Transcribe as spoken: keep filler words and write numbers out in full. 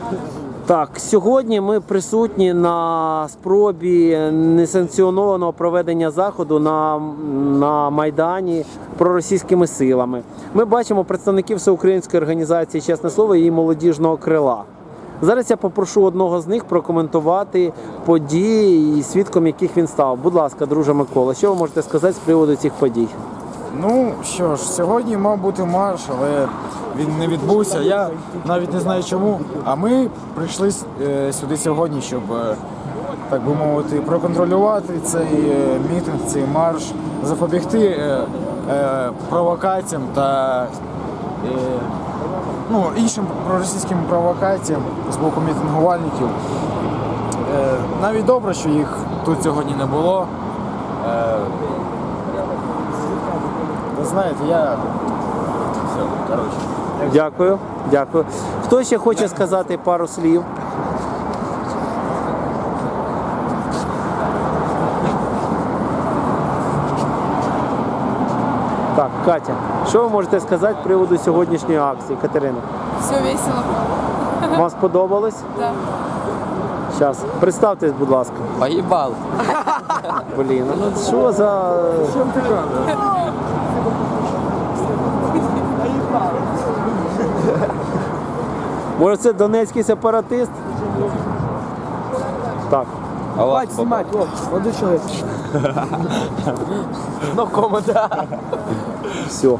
Так, сьогодні ми присутні на спробі несанкціонованого проведення заходу на, на Майдані проросійськими силами. Ми бачимо представників всеукраїнської організації «Чесне слово» і молодіжного крила. Зараз я попрошу одного з них прокоментувати події, і свідком яких він став. Будь ласка, друже Микола, що ви можете сказати з приводу цих подій? Ну що ж, сьогодні мав бути марш, але він не відбувся. Я навіть не знаю чому. А ми прийшли е, сюди сьогодні, щоб, е, так би мовити, проконтролювати цей е, мітинг, цей марш, запобігти е, е, провокаціям та е, ну, іншим проросійським провокаціям з боку мітингувальників. Е, навіть добре, що їх тут сьогодні не було. Е, Ви знаєте, я... Все, коротше. Дякую, дякую. Хто ще хоче сказати пару слів? Так, Катя, що ви можете сказати з приводу сьогоднішньої акції, Катерина? Все весело. Вам сподобалось? Да. Зараз, представтесь, будь ласка. Поїбал. Блін, ну що за... Може це донецький сепаратист? Так. А вас знімати, Ну, кома, Все.